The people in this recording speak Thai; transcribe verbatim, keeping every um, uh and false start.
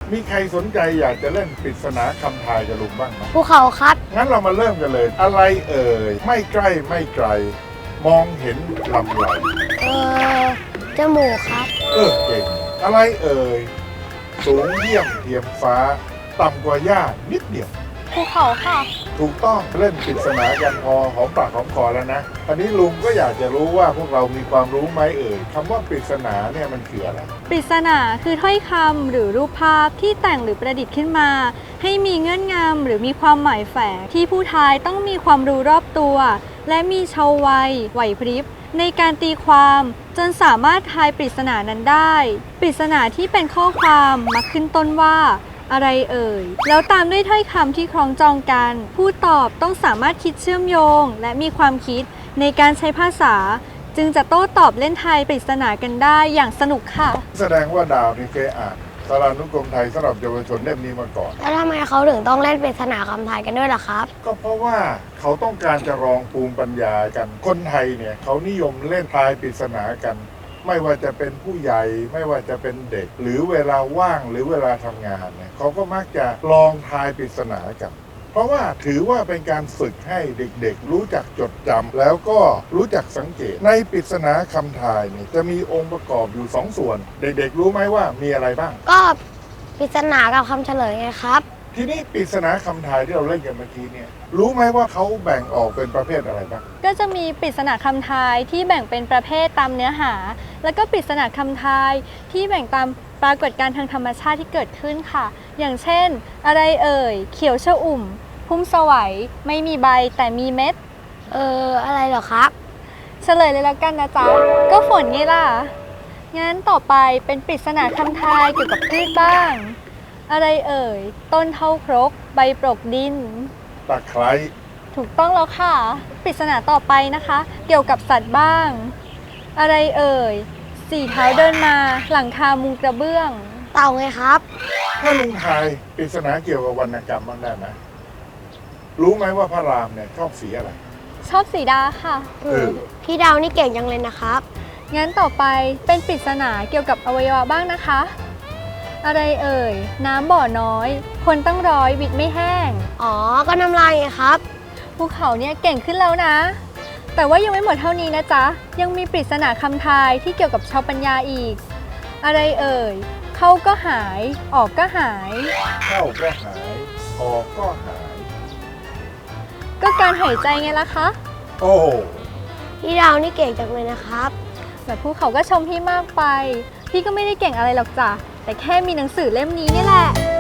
มีใครสนใจอยากจะเล่นปริศนาคำทายกับลุงบ้างไหมภูเขาครับงั้นเรามาเริ่มกันเลย อะไรเอ่ยไม่ใกล้ไม่ไกล มองเห็นลำไรเออจมูกครับเออเก่ง อะไรเอ่ยสูงเยี่ยมเทียมฟ้า ต่ำกว่าหญ้านิดเดียวภูเขาค่ะถูกต้องเล่นปริศนากันพอหอมปากหอมคอแล้วนะอันนี้ลุงก็อยากจะรู้ว่าพวกเรามีความรู้ไหมเอ่ยคำว่าปริศนาเนี่ยมันคืออะไรปริศนาคือถ้อยคำหรือรูปภาพที่แต่งหรือประดิษฐ์ขึ้นมา ให้มีเงื่อนงำหรือมีความหมายแฝงที่ผู้ทายต้องมีความรู้รอบตัว และมีชาววัยไหวพริบในการตีความจนสามารถทายปริศนานั้นได้ปริศนาที่เป็นข้อความมักขึ้นต้นว่าอะไรเอ่ยแล้วตามด้วยถ้อยคำที่คล้องจองกันผู้ตอบต้องสามารถคิดเชื่อมโยง และมีความคิดในการใช้ภาษา จึงจะโต้ตอบเล่นทายปริศนากันได้อย่างสนุกค่ะแสดงว่าดาวนี่เคยอ่านสารานุกรมไทยสำหรับเยาวชนเล่มนี้มาก่อนแล้วทำไมเขาถึงต้องเล่นปริศนาคำทายกันด้วยล่ะครับก็เพราะว่าเขาต้องการจะรองภูมิปัญญากัน คนไทยเนี่ยเขานิยมเล่นทายปริศนากัน ไม่ว่าจะเป็นผู้ใหญ่ไม่ว่าจะเป็นเด็ก หรือเวลาว่างหรือเวลาทำงานเนี่ยเขาก็มักจะลองทายปริศนากัน เพราะว่าถือว่าเป็นการฝึกให้เด็กๆ รู้จักจดจำแล้วก็รู้จักสังเกต ในปริศนาคำทายเนี่ยจะมีองค์ประกอบอยู่สองส่วน เด็กๆ รู้ไหมว่ามีอะไรบ้างก็ปริศนากับคำเฉลยไงครับทีนี้ปริศนาคำทายที่เราเล่นกันเมื่อกี้เนี่ยรู้ไหมว่าเขาแบ่งออกเป็นประเภทอะไรบ้างก็จะมีปริศนาคำทายที่แบ่งเป็นประเภทตามเนื้อหา แล้วก็ปริศนาคำทายที่แบ่งตามปรากฏการณ์ทางธรรมชาติที่เกิดขึ้นค่ะ อย่างเช่น อะไรเอ่ย เขียวชอุ่ม พุ่มสวัยไม่มีใบแต่มีเม็ดเอออะไรเหรอครับเฉลยเลยแล้วกันนะจ๊ะ ก็ฝนไงล่ะ งั้นต่อไปเป็นปริศนาคำทายเกี่ยวกับพืชบ้าง อะไรเอ่ย ต้นเท่าครก ใบปรกดินตะไคร้ถูกต้องแล้วค่ะ ปริศนาต่อไปนะคะ เกี่ยวกับสัตว์บ้าง อะไรเอ่ย สี่เท้าเดินมาหลังคามุงกระเบื้องเต่าไงครับถ้าลุงทายปริศนาเกี่ยวกับวรรณกรรมบ้างได้ไหมรู้ไหมว่าพระรามเนี่ยชอบสีอะไรชอบสีดาค่ะเออพี่ดาวนี่เก่งจังเลยนะครับงั้นต่อไปเป็นปริศนาเกี่ยวกับอวัยวะบ้างนะคะ อะไรเอ่ย น้ำบ่อน้อย คนตั้งร้อยวิดไม่แห้งอ๋อ ก็น้ำลายไงครับภูเขาเนี่ยเก่งขึ้นแล้วนะ แต่ว่ายังไม่หมดเท่านี้นะจ๊ะ ยังมีปริศนาคำทายที่เกี่ยวกับชาวปัญญาอีก อะไรเอ่ย เข้าก็หาย ออกก็หายเข้าก็หายออกก็หายก็การหายใจไงล่ะคะโอ้โหพี่ดาวนี่เก่งจังเลยนะครับแต่ภูเขาก็ชมพี่มากไป พี่ก็ไม่ได้เก่งอะไรหรอกจ้ะ แต่แค่มีหนังสือเล่มนี้นี่แหละ